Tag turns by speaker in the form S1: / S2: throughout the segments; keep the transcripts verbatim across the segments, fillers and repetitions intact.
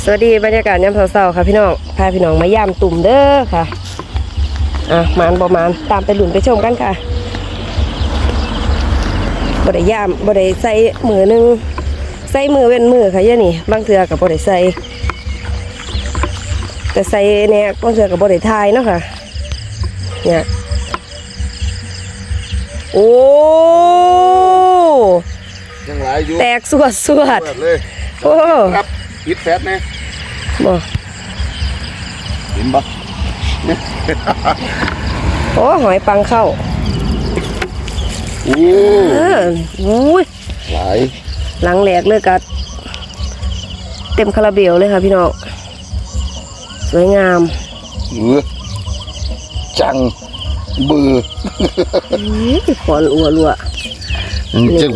S1: สวัสดีบรรยากาศยามเช้าๆค่ะพี่น้องพาพี่น้องมาย่ามตุ่มเด้อค่ะอ่ะมานประมาณตามไปหลุนไปชมกันค่ะบ่ได้ย่ามบ่ได้ใส่มือนึงใส่มือเว้นมือค่ะเยอะนี่บางเทื่อกับบ่ได้ใส่แต่ใส่เนี่ยบางเทื่อกับบ่ได้ทายเนาะค่ะเนี่ยโอ้
S2: ยังหลายอยู่
S1: แตกสวดสวด
S2: เลย
S1: โอ้
S2: ครับปิดแฟตนะ
S1: บ่
S2: เห็นปะ
S1: โอ้หอยปังเข้า
S2: โอ้
S1: เอออุ้ย
S2: หลาย
S1: หลังแหลกเลยกัดเต็มคาราเบลเลยค่ะพี่น้องสวยงาม
S2: เออจังเบื่อ
S1: ขอนอัวรัว
S2: จัง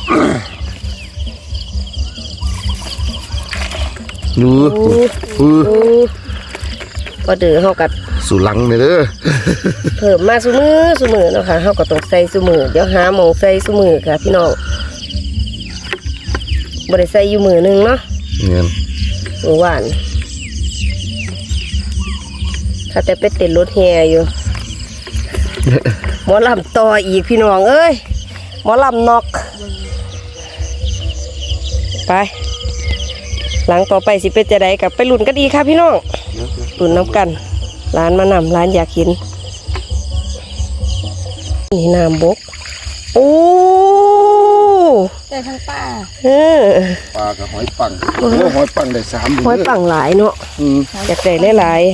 S2: ดูอือ
S1: ก็เดือเฮากัด
S2: สุลังเลยเด้อ
S1: เพิ่มมาซุมือซุมือเนาะค่ะเฮาก็ต้องใส่ซุมือเดี๋ยวหาหมองใส่ซุมือค่ะพี่น้องบ่ได้ใส่อยู่มือนึงเนาะ
S2: เงี้ย
S1: มือหวานถ้าแต่ไปเต้นรถแห่อยู่หมอลำต่ออีกพี่น้องเอ้ยหมอลำนอกไปหลังต่อไปสิเป็นจะได้กับไปลุ้นกันดีค่ะพี่น้องลุ้นน้ำกันร้านมานำร้านอยากกินนี่น้ำบกโอ้
S3: ได้ทั้งป้า
S1: เออ
S2: ปลากับหอยปังโอ้หอยปังได้สาม
S1: หอยปังหลายเนาะอยากได้หลาย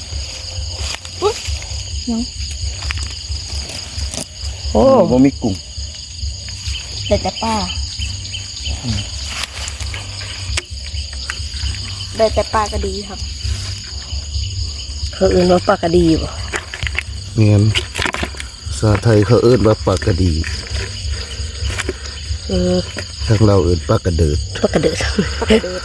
S1: โอ้
S2: บ่มีกุ้ง
S3: ได้แต่ป้าได้แต่ปลาก็ดีครับ
S1: เขาเอื่นว่าปลากระดีบ่
S2: เงี้ยภาษาไทยเขาเอิ้นว่าปลากระดี
S1: เออ
S2: ทางเราเอิ้นปลากระเดิด
S1: ปลากระเดิดปลากระเดิด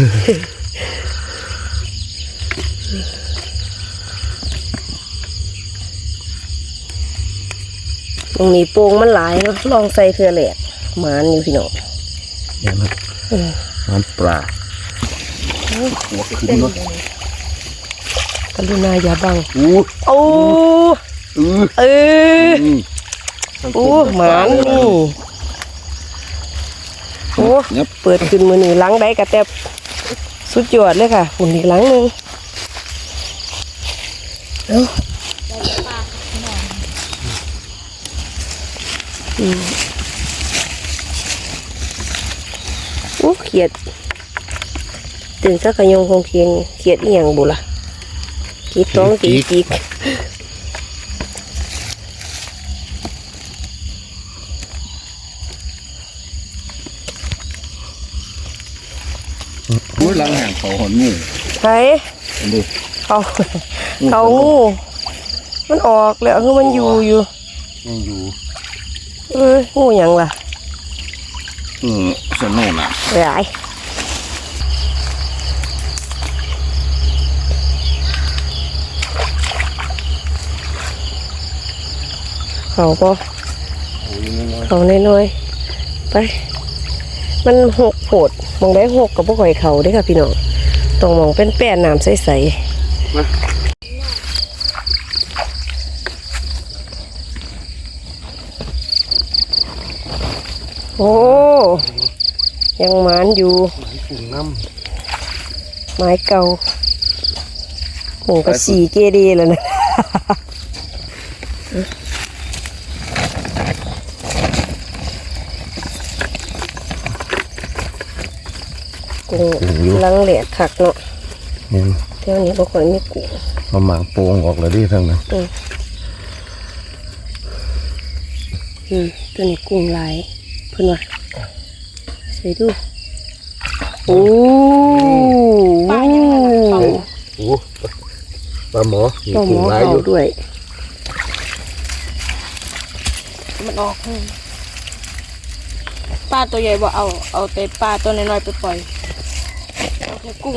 S1: ตรงนี้โป่งมันหลายเนาะลองใส่เทือแหลกหมานอยู่พี่น้อง
S2: เนี่ยนะมันปลาหัวขึ้นเนาะ
S1: กรุณาอย่าบัง
S2: โอ้
S1: โอ้
S2: เออ
S1: เออโอ้หมานนี่โอ้เปิดขึ้นมือนี่ล้างได้กระแตบสุดยอดเลยค่ะหุ่นอีกล้างนึงเอ้าโอ้เขียดตื่นสักขยงคงเคียงเขียดอีหยังบุล่ะกีต้องกีกีก
S2: โอ้ยลังห่างเขาหอนงู
S1: ใช่เขาเขางูมันออกแล้วคือมันอยู่อยู่
S2: ยังอยู่
S1: เอองูหยังล่ะ
S2: อืมสนุกนะ
S1: หลายเขาก็เขาน้อยๆไปมันหกโผดมองได้หกกับพวกหอยเขาด้วยค่ะพี่น้องตรงมองเป็นแป้นน้ำใสๆโอ้ยังหมานอยู่ไม้เก่าหมูกระสีเกดีแล้วนะกุ้งลังเหลียดขักเนาะเท่านี้บางคนมีกุ้ง
S2: มาหมางโป่งออกแล้วดิทั้งนั้น
S1: อืมตัวนี้กุ้งลายเพื่อนว่าใส่ดูโอ้
S3: ปลายังไงล่ะ
S2: โอ้ปลาหมอ
S1: ปลาหมอเขาด้วย
S3: มันออกปลาตัวใหญ่บ่เอาเอาแต่ปลาตัวน้อยๆไปปล่อยเอาแค่กุ้ง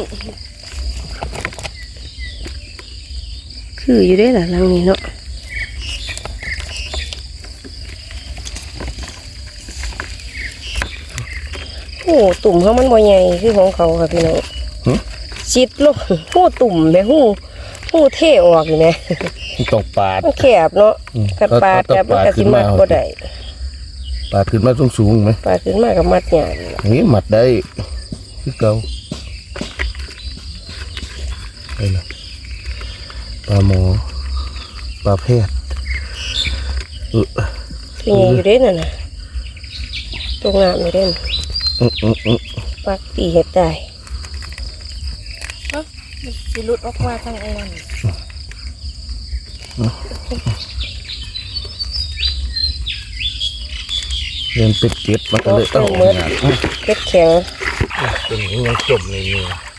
S1: คืออยู่ได้หรอลังนี้เนาะโอ้ตุ่มเขามันบ่ใหญ่คือของเขาค่ะพี่น้องชิดลูกหูตุ่มแม่หูหูเท่ออกอยู่แม่
S2: ต้องปาด
S1: มันแคบเนาะ
S2: อืม
S1: กัดปาด
S2: ก็ต้อง
S1: กับมันก็สิมัด
S2: ปาดขึ้นมา
S1: บ่ได้
S2: ปาดขึ้นมาสูงๆไหม
S1: ปาดขึ้นมากับมัดหยาด
S2: นี่มัดได้คือเก่าไปละปลาหมอปลาแพทย์เออ
S1: ที่ไงอยู่เด้นั่นน่ะตรงน้ำอยู่เด้น
S2: อืมอืมอืม
S1: ปักตีเฮ็ดได้
S3: เอ้าสิหลุดออกมาทางไอ้นั่น
S2: เรียนเป็ดเก็ดมันก็เลยต้องงาน
S1: เล็ดแข็ง
S2: เป็นอย่างนี้ยังจมในนี้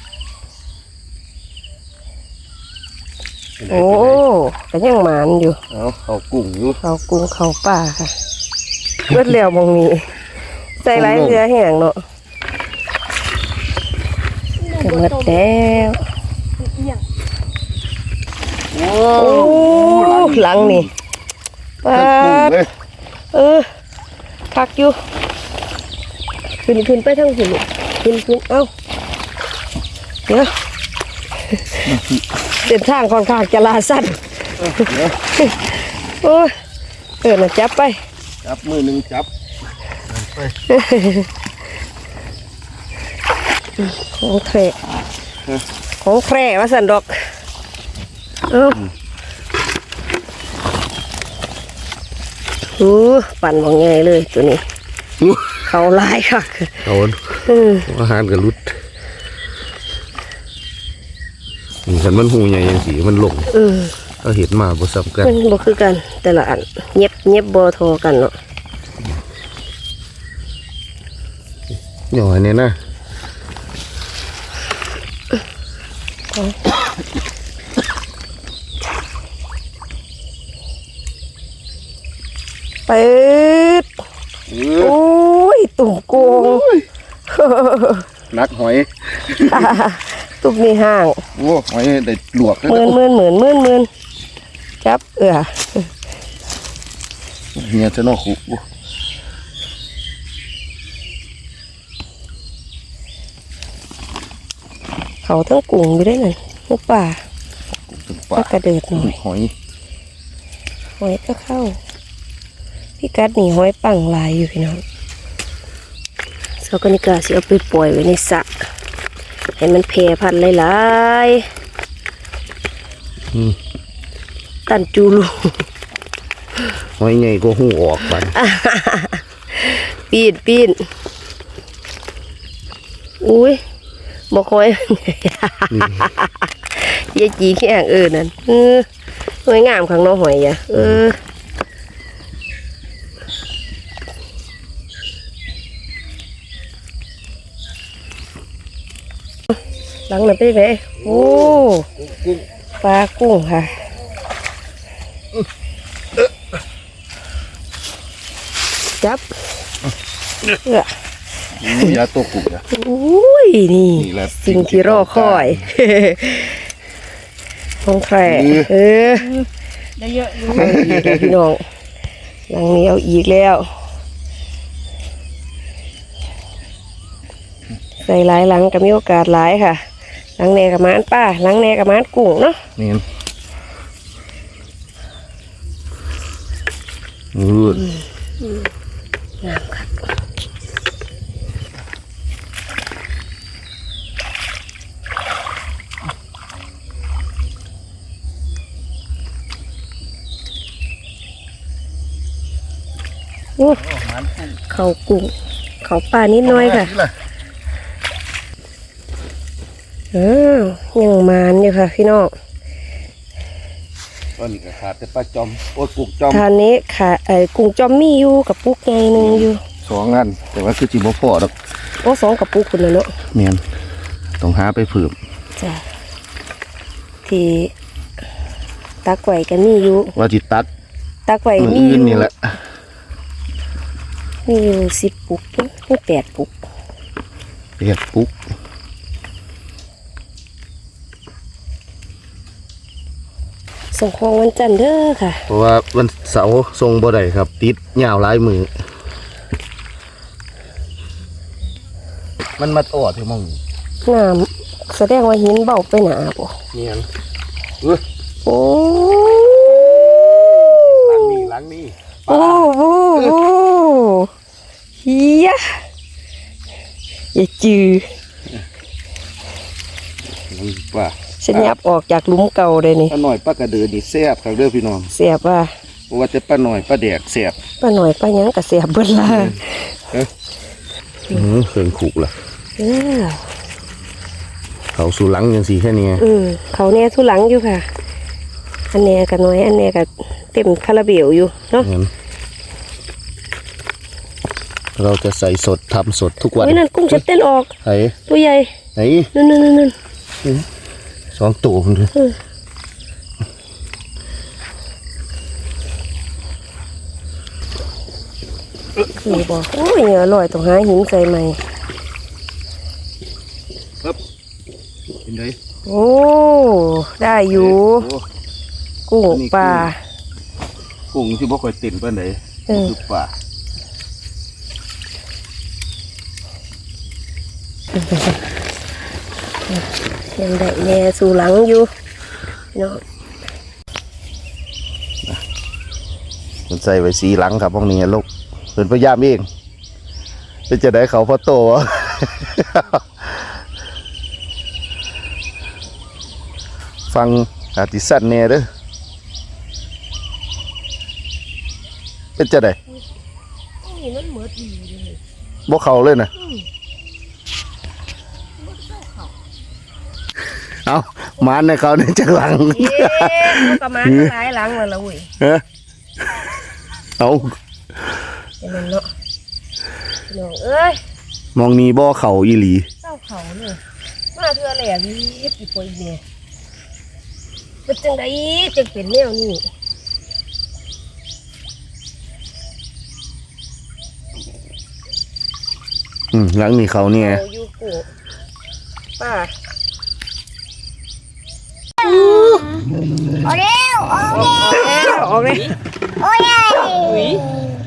S1: โอ้ก็ยังหมานอยู่
S2: เอาเอากุ้งอยู่
S1: เขากุ้งเขาป่าค่ะเลือดเหลวมองนี้ใส่ไรเรือแห้งเนาะจะหมดแล้ว
S3: เอียง
S2: โอ้
S1: โอ้หลังนี่ปา
S2: กุ้ง
S1: ด
S2: เลย
S1: เออคักอยู่ขึ้นขึ้นไปทั้งหินขึ้นขึ้นเอ้าเดี๋ยวเดินทางค่อนข้างจะลาสั้น
S2: เดี๋ยว
S1: โอ้ยเออน่ะจับไป
S2: จับมือหนึ่งจับไป
S1: ของแคร่ของแคร่ว่าสันดอกเอ้าหูปั่นว่าไงเลยตัวนี้ เขาลายค่ะ
S2: เอา
S1: เออ
S2: อาหารกับรุดนี่คันมันหูใหญ่ยังสีมันลง
S1: เออ
S2: ก็เห็นมาบ่ซ้ำกัน
S1: มันบ่คือกัน แต่ละอันเย็บเย็บบ่โทอกันเนาะ
S2: หน่อยเนี่ยนะ
S1: เปิดโอ้ยตุ่มโกง
S2: นักหอย
S1: ตุ่มนี่ห่าง
S2: โอ้หอยได้ลวก
S1: หมื่นหมื่นหมื่นหมื่นหมื่นจับเอือ
S2: เนี่ยจะนอกหู
S1: เขาทั้งกุ้งอยู่ได้นั่นลูกป่า
S2: ถึง
S1: ก็
S2: ปาก
S1: กระเดิดหน่อย
S2: หอย
S1: หอยก็เข้า พี่กัดหนีหอยปังลายอยู่พี่น้องเสากนิกาสิเอาไปปล่อยไว้ในสระให้มันแพร่พันธุ์หลายๆตันจูลู
S2: หอยใหญ่ก็หูออกไป
S1: ปีนปีนอุ้ยบอกหอย ยายจีแข้งเออนั่นเออหอยงามข้างนอกหอยอ่ะเออหลังนั้นไปไหนโอ้ปลากุ้งค่ะจับเออย
S2: าตัวกุกอะ
S1: อุ้ยนี่
S2: นี่แหละ
S1: สิ่งที่รอคอย ของแคร่เออ
S3: ได้เยอะอยู่
S1: เอาอีกแล้วพี่น้องหลังนี้เอาอีกแล้ว ใส่หลายหลังก็มีโอกาสหลายค่ะ หลังแหนกับม้านป้าหลังแหนกับม้านกุ้งเนาะ
S2: นี่มืด
S1: งามค่ะโอ้เขากุ้งเขาปลานิดน้อยค่ะเออยังมานอยู่ค่ะพี่น้อง
S2: ตอนนี้ก็ขาดแต่ปลาจอมโอ้ยกุกจอม
S1: ทานนี้ค่ะไอ้กุ้งจอมมีอยู่กับปุกไงหนึ่งอยู่
S2: สองอันแต่ว่าคือจิบ่พอดอก
S1: โอ้สองกับปุกคุณนะเนาะ
S2: เมียนต้องหาไปเพิ่ม
S1: จ้ะที่ตักไว้กันมีอยู่
S2: ว่าจิตัด
S1: ตักไว้
S2: มือ
S1: มีอ
S2: อื่น
S1: ยู่
S2: นี่แหละ
S1: มีอยู่สิบปุกไม่แปดปุก
S2: เรียกปุ๊ก
S1: ส่งของวันจันทร์เด้อค่ะ
S2: เพราะว่าวันเสาร์ทรงบ่ได้ครับ ติดยาวหลายมือมันมาตอดที่มอง
S1: งามแสดงว่าหินเบาไปหนาบ่
S2: เนียนเอ้ย
S1: โอ้
S2: หลังนี่หลังนี่
S1: โอ้โหโอ้เฮียอย่าจือ
S2: นี่ป่า
S1: ฉันยับออกจากหลุมเก่าเลยนี่
S2: ป้าหน่อยป้ากระเดือนี่แซ่บครับเด้อพี่น้อง
S1: เสียบว่า
S2: เพราะว่าจะป้าหน่อยป้าแดกแซ่บ
S1: ป้าหน่อยป้าหยังกับเสียบเบิ้ลล่ะ
S2: อือเครื่องขู่ล่ะ
S1: เออ
S2: เขาสู่หลังยังสีแค่นี้
S1: อืมเขาเนี่ยทุหลังอยู่ค่ะ อันเนี้ยกับน้อยอันเนี้ยกับเต็มคาราเบลอยู่เนาะ
S2: งั้นเราจะใส่สดทำสดทุกวัน
S1: เฮ้ยนั่นกุ้งจะเต้นออก
S2: ไอ้
S1: ตัวใหญ่
S2: ไอ้
S1: นั่นนั่นนั่นนั่น
S2: สองตัวมันเลย
S1: นี่บอกโอ้ยเหงื่อลอยต้องหาหินใส่ใหม่
S2: เป็นไง
S1: โอ้ได้อยู่
S2: โอ้
S1: กุ้งปลา
S2: กุ้งที่บ่ค่อยเต็มปานใด
S1: เออ
S2: คือป่า
S1: ยังได้แน่สู่หลังอยู่เนาะ
S2: มันใส่ไว้สีหลังครับพวกนี้ลูกเป็นพยายามเองเป็นจะได้เขาพอโตวะ ฟังอาติสั้นแน่เด้อเป็นจะได้
S1: นี่มันเหมือดีเลย
S2: บ่เขาเลยนะเอามานในเขาในจากหลัง
S1: เย้มันก็มาหลายหลังแล้วล่ะเว้ย
S2: เฮ้เอา
S1: เป็นนั่นเนาะน้องเอ้ย
S2: มองนี้บ่เขาอีหลี
S1: เจ้าเขาเนี่ยมาเทื่อแหล่รีบอีปอยอีเนี่ยเป็นจังไดจึงเป็นแนวนี้
S2: อืมหลังนี้เขาเนี่ย
S1: เอาอยู่กูป้า
S4: โอ้เร็วโอ้
S1: ออกแล้วออกเลย
S4: โอ้ย
S3: อุ้ย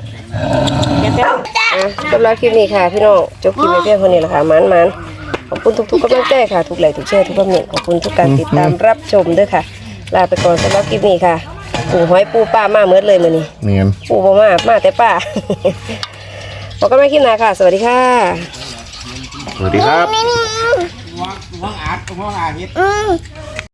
S1: อ่ะสำหรับคลิปนี้ค่ะพี่น้องจบคลิปในเพียงเท่านี้แหละค่ะมันมันขอบคุณทุกๆกำลังใจค่ะทุกไลค์ทุกแชร์ทุกคอมเมนต์ขอบคุณทุกการติดตามรับชมด้วยค่ะลาไปก่อนสำหรับคลิปนี้ค่ะปูหอยปูป้ามาเมิดเลยมื้อนี้
S2: เนียน
S1: ปูบ่มามาแต่ป้า บอกกันไม่คลิปหน้าค่ะ สวัสดีค่ะ
S2: สวัสดีครับ
S4: อืม